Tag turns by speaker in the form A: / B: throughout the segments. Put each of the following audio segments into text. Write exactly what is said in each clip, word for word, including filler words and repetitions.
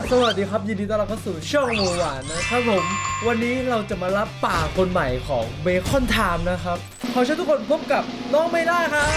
A: สวัสดีครับยินดีต้อนรับเข้าสู่ช่องหมูหวานนะครับผมวันนี้เราจะมารับป่าคนใหม่ของเบคอนไทม์นะครับขอเชิญทุกคนพบกับน้องไมล่าครับ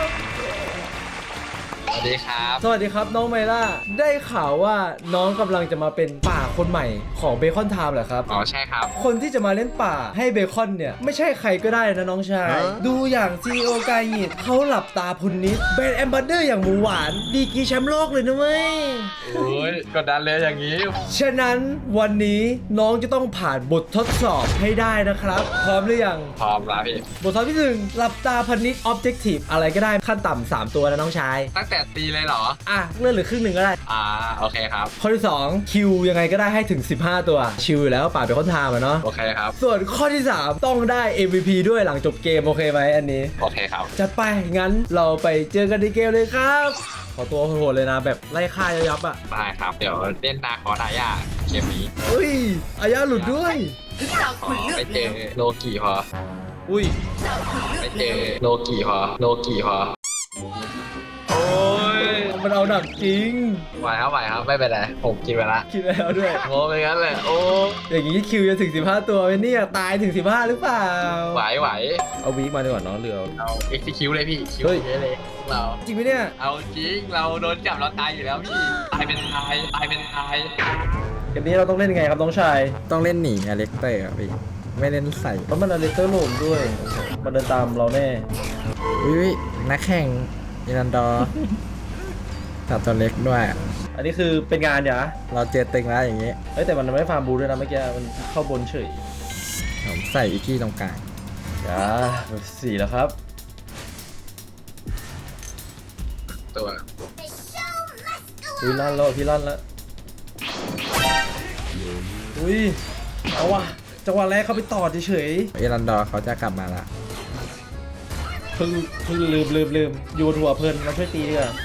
B: สวัสดีครับ
A: สวัสดีครับน้องไมล่าได้ข่าวว่าน้องกำลังจะมาเป็นป่าคนใหม่ของเบคอนไทม์เหรอครับ
B: อ๋อใช่ครับ
A: คนที่จะมาเล่นป่าให้เบคอนเนี่ยไม่ใช่ใครก็ได้นะน้องชายดูอย่างซีอีโอกายหงิดเขาหลับตาพุนนิดเป็นแอมบาสเดอร์อย่างหมูหวานดีกรีแชมป์โลกเลยนะเว้ย
B: โอ้ยกดดันเลยอย่างนี้
A: ฉะนั้นวันนี้น้องจะต้องผ่านบททดสอบให้ได้นะครับพร้อมหรือยัง
B: พร้อมแล้วพี่
A: บททดสอบที่หนึ่งหลับตาพันนิดออบเจกตีฟอะไรก็ได้ขั้นต่ำสามตัวนะน้องชาย
B: ตั้งแต่ตีเลยเหรอ
A: อ่ะเลื่อนเหลือครึ่งหนึ่งก็ได้
B: อ่าโอเคครับ
A: ข้อที่สองคิวยังไงก็ได้ให้ถึงสิบห้าตัวชิวอยู่แล้วป่าเป็นคนทามอะเนาะ
B: โอเคครับ
A: ส่วนข้อที่สามต้องได้ เอ็ม วี พี ด้วยหลังจบเกมโอเคไหมอันนี้
B: โอเคครับ
A: จัดไปงั้นเราไปเจอกันในเกมเลยครับขอตัวโหดเลยนะแบบไล่ฆ่ายับๆอ่ะ
B: ได้ครับเดี๋ยวเล่นนาคอดายาเกมนี้
A: อุ้ยอายาหลุดด้วย
B: ไปเจอโลกิพอ
A: อุ้ย
B: ไปเจอโลกิพอโลกิพอโอ้ย
A: มันเอาหนักจริง
B: ไหวครับไหวครับไม่เป็นไรผมกินไปละ
A: คิดแล้วด้วย
B: โง่ไปงั้นเลยโอ้
A: อย่างนี้คิวจะถึงสิบห้าตัวไหมเนี่ยตายถึงสิบห้าหรือเปล่า
B: ไหวไหว
A: เอาวีคมาดีกว่าน้องเรือ
B: เอาเอ็กซ์คิวเลยพี่คิวเยอะเลยเรา
A: จริงไหมเนี่ย
B: เอาจริงเราโดนจับเราตายอยู่แล้วพี่ตายเป็นตายตายเป็นตาย
A: เกมนี้เราต้องเล่นยังไงครับน้องชาย
C: ต้องเล่นหนีอเล็กเตอร์ครับพี่ไม่เล่นใส่
A: เพราะมันอเล็กเตอร์โหลมด้วยมันเดินตามเราแน่
C: วิวนักแข่งอิรันดอร์ตัดตัวเล็กด้วย
A: อันนี้คือเป็นงานเหรอ
C: เราเจอตึงแล้วอย่างงี้
A: เฮ้ยแต่มันไม่ฟาร์มบูด้วยนะเมื่อกี้มันเข้าบนเฉย
C: ผมใส่อีกที่ตรงกลาง
A: จ้าสี่แล้วครับ
B: ตัว
A: อุ้ยลั่นแล้วพี่ลั่นแล้วอุ้ยเอาว่ะจังหวะแรกเขาไปต่อเฉย
C: อิรันดอร์เขาจะกลับมาละ
A: เพิ่งเพิ่งลืมลืมลืมโยนหัวเพลินมาช่วยตีดีกว่า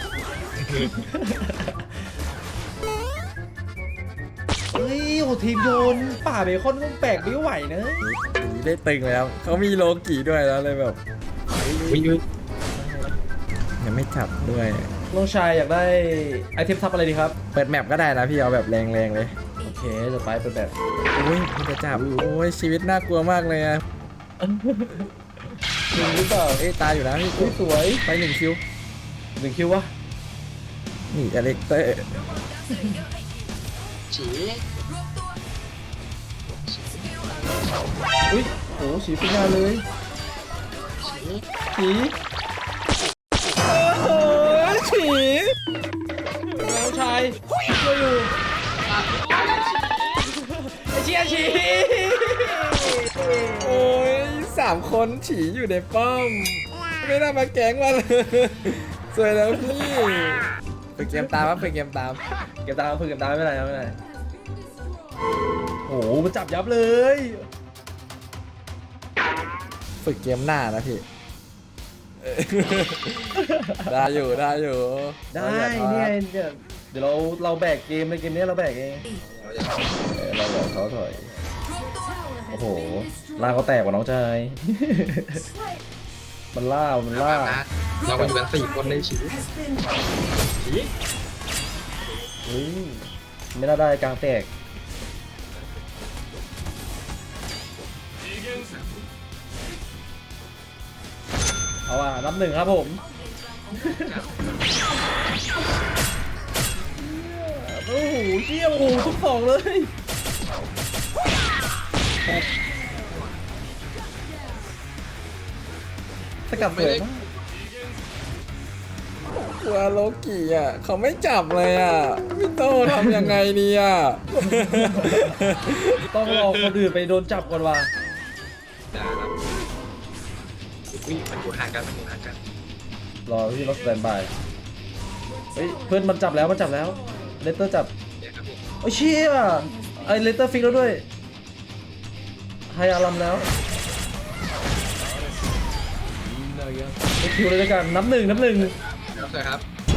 A: เฮ้ยโหทีมโยนป่าเบคอนก็แปลกไม่ไหวนะ
C: ได้ตึงแล้วเขามีโลกีด้วยแล้วเลยแบบยังไม่จับด้วย
A: น้องชายอยากได้ไอเทมทับอะไรดีครับ
C: เปิดแมปก็ได้นะพี่เอาแบบแรงๆเลย
A: โอเคจะไปเปิดแบบ
C: อุ้ยพี่จะจับโอ้ยชีวิตน่ากลัวมากเลยอะ
A: หนึ่งหรือเปล่า
C: เอ้ยตายอยู่นะพี่
A: สวย
C: ไปหนึ่งคิว
A: หนึ่งคิววะ
C: นี่อเล็กเตอร์
B: ฉี
A: อุ้ยโอ้ฉีเป็นงานเลยฉีโอ้โหฉีน้องชายช่วยอยู่ไอเชียฉี
C: โอ้ยสามคนฉีอยู่ในป้อมไม่น่ามาแก๊งมาเลยสวยแล้วพี่ฝึกเกมตามครับฝึกเกมตาม
A: เก็บตามฝึกเก็บตามไม่เป็นไรไม่เป็นไรโอ้โหมันจับยับเลย
C: ฝึกเกมหน้านะพี่ได้อยู่ได้อยู่
A: ได้เนี่ยเดี๋ยวเราเราแบกเกมในเกมนี้เราแบกเองเราบอกเขาถอยโอ้โหล่าเขาแตกกว่าน้องชายมันล่ามันล่า
B: เราเป็นกันสี่คนในชีวิต
A: ไม่น่าได้กลางแตกเอาอ่ะนับหนึ่งครับผมโอ้โหเชี่ยโอ้โหทุกสองเลยสกัดเลย
C: กลัวโลกิอ่ะเขาไม่จับเลยอ่ะพี่โตทำยังไงดีอ่ะ
A: ต้องรอคนอื่นไปโดนจับก่อนว่ะ
B: วิ่งมันอยู่ห่างกันมันอยู่ห่างกัน
A: รอที่รถสแตนบายเฮ้ยเพื่อนมันจับแล้วมันจับแล้วเลเตอร์จับโอ้เชี่ยไอเลเตอร์ฟิกแล้วด้วยไฮอารัมแล้วคิวเลยด้วยกันนับหนึ่งนับหนึ่ง
B: ใช่ครับ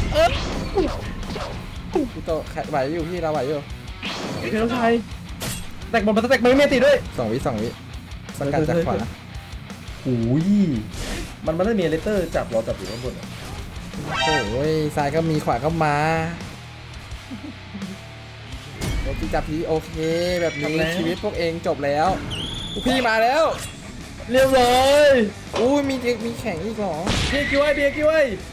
C: พี่โตไหวอยู่พี่เราไหวอยู่
A: พี่น้องชายแตกบอลมาแตกไม่เมติด้วย
C: สองวิสองวิสกัดจากขวา
A: โอ้ยมันมันไม่มีเลเตอร์จับเราจับอยู่ข้างบน
C: โอ้ยซ้ายก็มีขวาก็มาจีจับพีโอเค แบบ
A: จบ
C: นี้
A: แล้ว
C: ชีวิตพวกเองจบแล้วลูกพี่มาแล้ว
A: เรียบร้อย
C: อู้ยมีมีแข่งอีกเหรอ
A: เบียร์กิ้วไว้เบียร์กิ้วไว้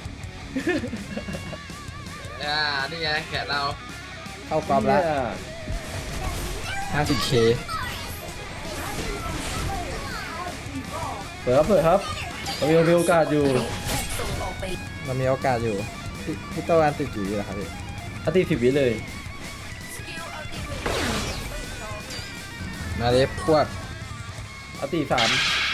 B: อ่านี่ไงแขนเรา
C: เข้ากรอบแล้ว ห้าสิบเค
A: เปิดครับเปิดครับเรามีมีโอกาสอยู่
C: มันมีโอกาสอยู่พี่พี่โตอันติดอยู่เหรอครับพี่
A: อาทิตย์สิบวิเลย
C: มาเล็บพวก
A: อาทิตย์สาม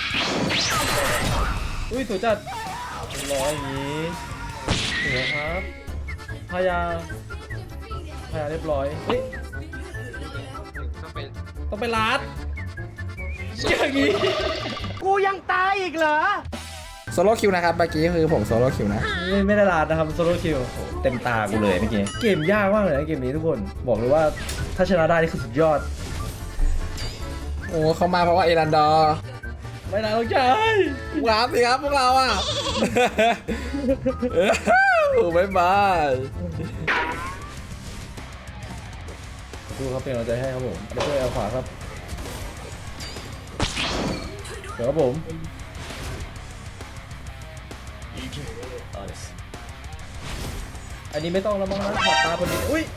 A: อุ้ยสวยจัดร้อยอย่างนี้สวยครับพายาพายาเรียบร้อยเฮ้ย
B: ต้องเป็น
A: ต้องไปลาดอย่างนี้
D: กูยังตายอีกเหรอ
C: โซโล่คิวนะครับเมื่อกี้คือผมโซโล่คิวนะ
A: ไม่ไม่ได้ลาดนะครับโซโล่คิวเต็มตากูเลยเมื่อกี้เกมยากมากเลยนะเกมนี้ทุกคนบอกเลยว่าถ้าชนะได้นี่คือสุดยอด
C: โอ้เขามาเพราะว่าเอรันดอร์
A: ไม่น่าต้องใจ
C: ว้าวสิครับพวกเราอ่ะ โอ้บ๊ายบาย
A: ดูครับเป็นกำลังใจให้ครับผมแล้วก็เอาขวาครับเดี๋ยวครับผมอันนี้ไม่ต้องแล้วมั้งนะขอบตาคนนี้อุ้ย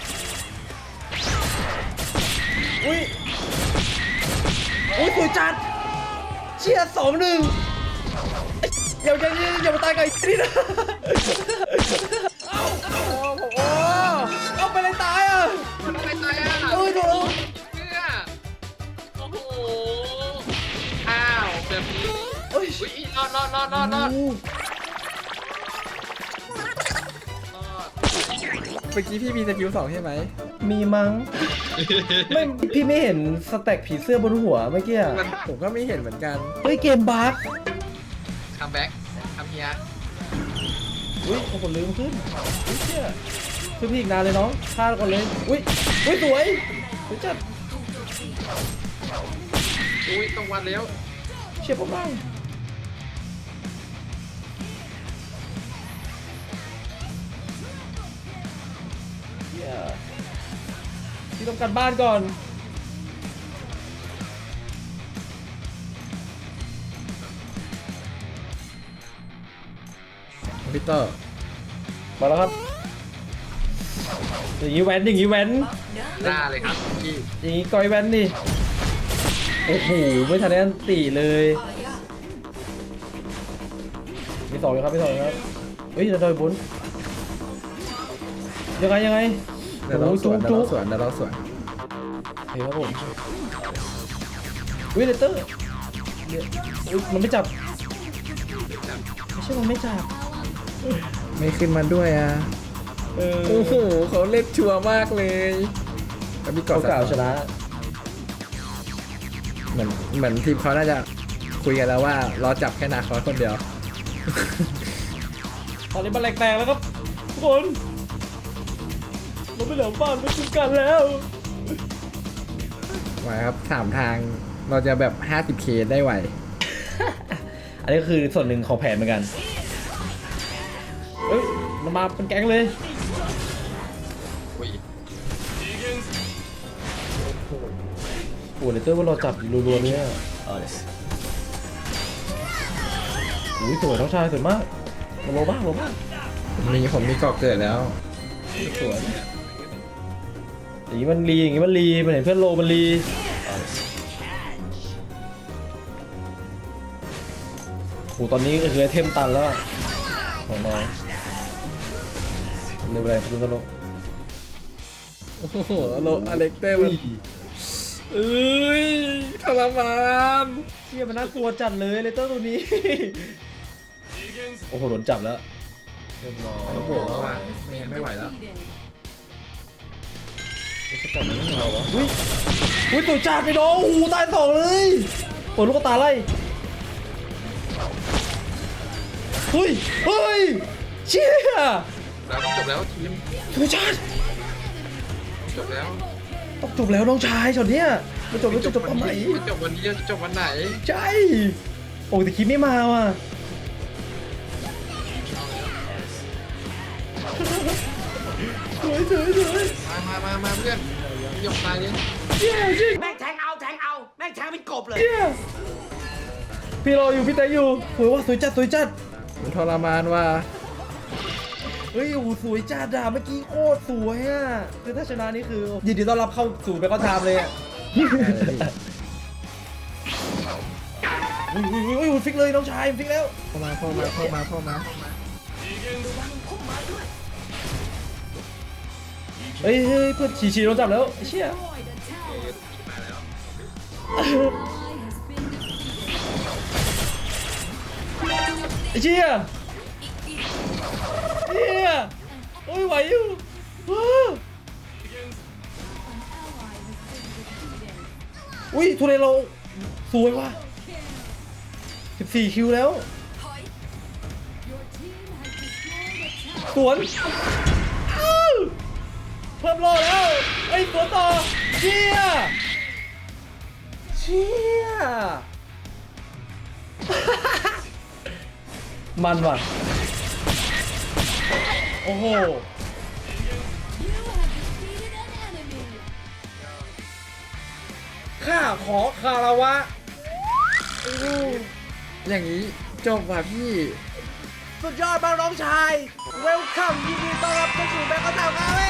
A: อุ้ยอุ้ยสวยจัดเชียร์สองหนึ่งอย่าอย่าอย่าอย่ามาตายกับไอ้นี่นะเอ้าโอ้โหเอาไปเลยตายอ่ะ
B: มันต้องไปตายอ่ะ
A: เอ้ยโดน
B: เชื่อโอ้โหอ้าวแบบนี้
A: เอ้ย
B: อุ้ยรอดรอดรอดรอดรอดรอด
C: เมื่อกี้พี่มีสกิลสองใช่ไหม
A: มีมั้งไม่พี่ไม่เห็นสแต็กผีเสื้อบนหัวเมื่อกี้อะ
C: ผมก็ไม่เห็นเหมือนกัน
A: เฮ้ยเกมบั๊ก
B: คัมแบ็กคัมเฮีย
A: อุ้ยโอ้โหลืมขึ้นอุ้ยเชี่ยคือพี่อีกนานเลยน้องพลาดก่อนเลยอุ้ยอุ้ยสวยสวยจัด
B: อุ้ยต้องวันแล้ว
A: เชี่ยผมบ้างเหี้ยพี่ต้องการบ้านก่อน
C: พีเตอร์
A: มาแล้วครับอย่างนี้แว้นอย่างนี้แว้น
B: หน้าเลยครับพี่
A: อย่างนี้ก้อยแว้นดิโอ้โหไม่ทันได้อันตีเลยมีสองเลยครับมีสองเลยครับเฮ้ยจะโดนบุญยังไงยังไง
C: เดี๋ยวเราสวนเดี๋ยวเราสวนเดี๋ยวเราสวน
A: เฮ้ยครับผมวิเลเตอร์เดี๋ยวอุ๊ยมันไม่จับไม่ใช่มันไม่จับ
C: ไม่ขึ้นมาด้วยอ่ะ
A: เออ
C: โอ้โหเขาเล่นชัวร์มากเลยแล้วมีเกาะ
A: เขากล่าวชนะ
C: เหมือนเหมือนทีมเขาน่าจะคุยกันแล้วว่าเราจับแค่นาคอสคนเดียว
A: ตอนนี้มันแหลกแตกแล้วครับทุกคนเราไม่เหลือบ้านไม่คุ้มกันแล้ว
C: ไหวครับสามทางเราจะแบบ ห้าสิบเค ได้ไหว
A: อันนี้ก็คือส่วนหนึ่งของแผนเหมือนกันเฮ้ยมันมาเป็นแก๊งเลย
B: อุ้ย
A: โอ้เลเตอร์ว่าเราจับรัวๆเนี่ยอุ้ยสวยน้องชายสวยมากโลบ้างโลบ้าง
C: มีผมมีเกาะเกิดแล้ว
A: สวยอย่างนี้มันรีอย่างนี้มันรีมันเห็นเพื่อนโลมันรีโอ้ตอนนี้ก็คือไอเทมตันแล้วอะของน้องเร็วไปเลยดูกันโล
C: โอ้โหโลอเล็กเต้มันเอ้ยทรมาน
A: เชี่ยมันน่ากลัวจัดเลยเลเตอร์ตัวนี้ โอ้โหโดนจับแล้วเรียบร้อย
C: โอ้โหไม่ไม่ไหวแล้ว
A: จะจับมันไม่เหรอวะอุ้ยอุ้ยตัวจัดไปน้องโอ้โหตายสองเลยเปิดลูกตาไล่เฮ้ยเฮ้ยเชี่ย
B: แล้วจบแล้วทีม
A: ตัวจัด
B: จบแล้ว
A: ต้องจบแล้วน้องชายช็อตเนี้ยมันจบแล้วจะจบตอนไหน
B: จะจบวันนี้จะจบวันไหน
A: ใช่โอ้แต่คิดไม่มาว่ะสวยสวยสวย
B: มามามามาเพื่อน
A: เ
B: ยกตายเลย
A: เชี่ยจริง
D: แม่งแทงเอาแทงเอา แม่งแทงเป็นกบเลย
A: เชี่ยพี่รออยู่พี่แต่อยู่สวยว่ะสวยจัดสวยจัด
C: มันทรมานว่ะ
A: เฮ้ยโอ้โหสวยจัดอ่ะเมื่อกี้โคตรสวยอ่ะคือถ้าชนะนี่คือยินดีต้อนรับเข้าสู่เบคอนไทม์เลยอ่ะอุ้ยอุ้ยอุ้ยอุ้ยฟิกเลยน้องชายฟิกแล้ว
C: เข้ามาเข้ามาเข้ามาเข้ามา
A: เฮ้ยเฮ้ยเพื่อนฉีฉีโดนจับแล้วไอ้เชี่ยไอ้เชี่ยเชี่ยโอ้ยไหวอยู่ว้าอุ้ยทุเรโลสวยว่ะสิบสี่คิวแล้วสวนอ้าวเพิ่มโลแล้วไอ้ยสวนต่อเชี่ยเชี่ย มันว่ะโอ้โหข้าขอคารวะ
C: อย่างนี้จบว่ะพี่
A: สุดยอดมากน้องชายเวลคัมยินดีต้อนรับเข้าสู่แบงค์กระต่ายครับ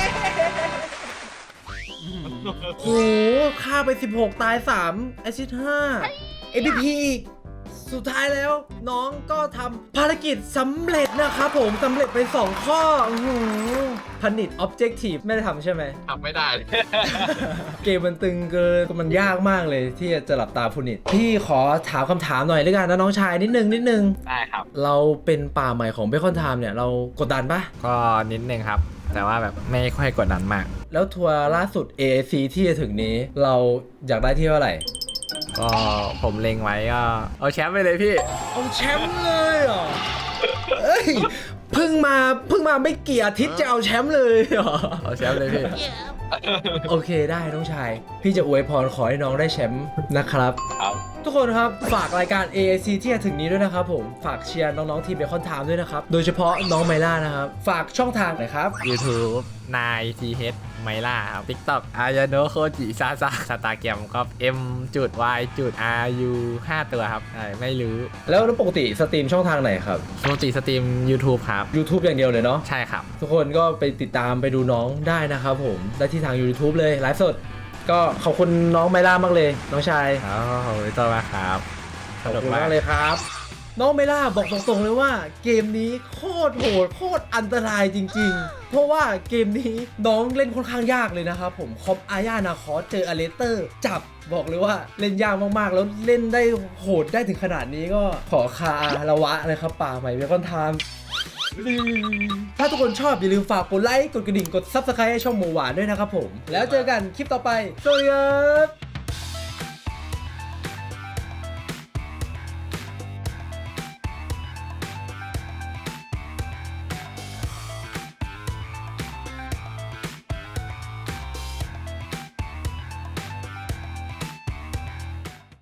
A: โอ้โหฆ่าไปสิบหกตายสามแอซิสต์ห้า เอ พี พี อีกสุดท้ายแล้วน้องก็ทำภารกิจสำเร็จนะครับผมสำเร็จไปสองข้ออื้อหือผนิต Objective ไม่ได้ทำใช่ไหม
B: ทำไม่ได้
A: เกมมันตึงเกินมันยากมากเลยที่จะหลับตาผนิตพี่ขอถามคำถามหน่อยด้วยกันนะน้องชายนิดนึงนิดนึง
B: ได้ครับ
A: เราเป็นป่าใหม่ของเบคอนไทม์เนี่ยเรากดดันปะ
C: ก็นิดนึงครับ แต่ว่าแบบไม่ค่อยกดดันมาก
A: แล้วทัวร์ล่าสุด เอ เอ ซี ที่จะถึงนี้เราอยากได้ที่เท่าไหร่
C: ก็ผมเล็งไว้ก็เอาแชมป์ไปเลยพี่
A: เอาแชมป์เลยเหรอเอ้ยเพิ่งมาเพิ่งมาไม่กี่อาทิตย์จะเอาแชมป์เลยเหรอ
C: เอาแชมป์เลยพี่
A: โอเคได้น้องชายพี่จะอวยพรขอให้น้องได้แชมป์นะครับ
B: ครับ
A: ทุกคนครับฝากรายการ เอ เอ ซี ที่จะถึงนี้ด้วยนะครับผมฝากเชียร์น้องๆทีมเบคอนไทม์ด้วยนะครับโดยเฉพาะน้องไมล่านะครับฝากช่องทางหน่อยครับ
C: YouTube นาย ที เอช ไมล่าครับ TikTok อายาโนโคจิซาซาสตาแกรมก็ M จุด Y จุด R U ห้าตัวครับใช่ไม่รู้
A: แล้วปกติสตรีมช่องทางไหนครับ
C: ปกติสตรีม YouTube ครับ
A: YouTube อย่างเดียวเลยเนาะ
C: ใช่ครับ
A: ทุกคนก็ไปติดตามไปดูน้องได้นะครับผมได้ที่ทาง YouTube เลยไลฟ์สดก็ขอบคุณน้องไมล่ามากเลยน้องชาย
C: ครับขอบคุณตัวมากครับ
A: ขอบคุณมากเลยครับ น้องไมล่าบอกตรงๆเลยว่าเกมนี้โคตรโหดโคตรอันตรายจริงๆ เพราะว่าเกมนี้น้องเล่นค่อนข้างยากเลยนะครับผมคอมอาญานาคอสเจออเลสเตอร์จับบอกเลยว่าเล่นยากมากๆ แล้วเล่นได้โหดได้ถึงขนาดนี้ก็ขอคาระวะเลยครับป่าใหม่เบคอนไทม์ถ้าทุกคนชอบอย่าลืมฝากกดไลค์กดกระดิ่งกด ซับสไครบ์ ให้ช่องหมูหวานด้วยนะครับผมแล้วเจอกันคลิปต่อไปสวัสดีครับ